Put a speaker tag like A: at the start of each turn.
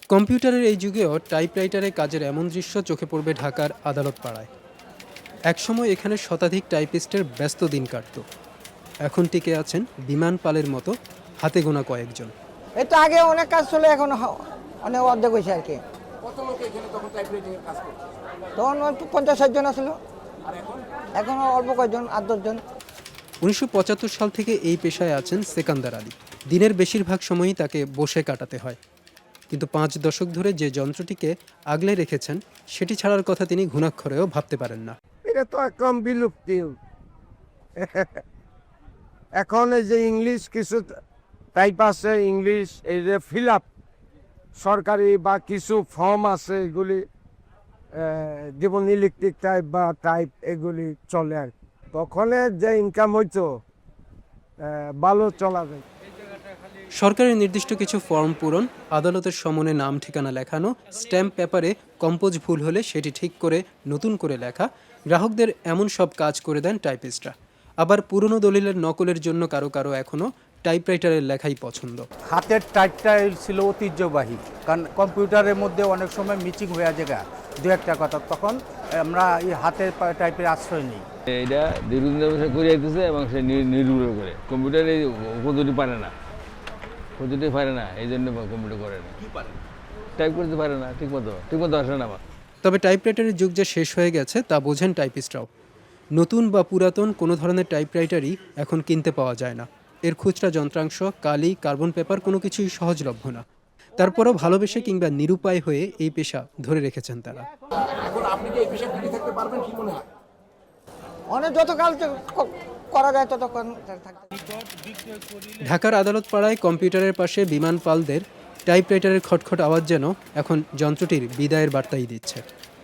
A: কম্পিউটারের এই যুগেও টাইপরাইটারে কাজের এমন দৃশ্য চোখে পড়বে ঢাকার আদালত পাড়ায়। একসময় এখানে শতাধিক টাইপিস্টের ব্যস্ত দিন কাটত। এখন টিকে আছেন বিমান পালের মতো হাতে গোনা কয়েকজন।
B: এই তো আগে অনেক কাজ ছিল, এখন অনেক অর্ধেক হয়েছে আর কি।
C: কত লোক এখানে তখন টাইপরাইটিং এর কাজ করছে?
B: তখন 50-60 জন ছিল,
C: আর এখন
B: এখন অল্প কয়েকজন, 8-10 জন।
A: 1975 সাল থেকে এই পেশায় আছেন সেকান্দার আলী। দিনের বেশিরভাগ সময়ই তাকে বসে কাটাতে হয়, কিন্তু 5 দশক ধরে যে যন্ত্রটিকে আগলে রেখেছেন সেটি ছাড়ার কথা তিনি ঘুণাক্ষরেও ভাবতে পারেন না।
D: এটা তো একদম বিলুপ্তি। এখন এই যে ইংলিশ কিছু টাইপ আছে, ইংলিশ এই যে ফিল আপ সরকারি বা কিছু ফর্ম আছে, এগুলি যেমন ইলেকট্রিক টাইপ বা টাইপ এগুলি চলে আর কি। তখন যে ইনকাম হইতো ভালো চলা যায়।
A: সরকারের নির্দিষ্ট কিছু ফর্ম পূরণ, আদালতের সমনে নাম ঠিকানা লেখানো, স্ট্যাম্প পেপারে কম্পোজ ভুল হলে সেটি ঠিক করে নতুন করে লেখা, গ্রাহকদের এমন সব কাজ করে দেন টাইপিস্টরা। আবার পুরনো দলিলের নকলের জন্য কারো কারো এখনও টাইপরাইটারের লেখাই পছন্দ।
E: হাতের টাইপটাই ছিল ঐতিহ্যবাহী, কারণ কম্পিউটারের মধ্যে অনেক সময় মিচিং হয়ে যায় দু একটা কথা, তখন আমরা এই হাতের টাইপের আশ্রয় নিই।
F: এটা দীর্ঘদিন ধরে করে যেতেছে এবং সে নির্ভর করে কম্পিউটারে পদ্ধতি পারে না, এই জন্য কম্পিউটার করে না, টাইপ করতে পারে না ঠিকমতো আসে না আমার।
A: তবে টাইপরাইটারের যুগ যে শেষ হয়ে গেছে তা বোঝেন টাইপিস্টরাও। নতুন বা পুরাতন কোনো ধরনের টাইপরাইটারই এখন কিনতে পাওয়া যায় না। এর খুচরা যন্ত্রাংশ, কালি, কার্বন পেপার কোনো কিছুই সহজলভ্য না। তারপরও ভালোবেসে কিংবা নিরুপায় হয়ে এই পেশা ধরে রেখেছেন তারা।
C: এখন আপনি কি এই পেশায় টিকে থাকতে পারবেন কি মনে হয়?
B: অনেক যতকাল করা যায় ততক্ষণ থাকতে।
A: ঢাকার আদালত পাড়ায় কম্পিউটারের পাশে বিমান পালদের টাইপরাইটারের খটখট আওয়াজ যেন এখন যন্ত্রটির বিদায়ের বার্তাই দিচ্ছে।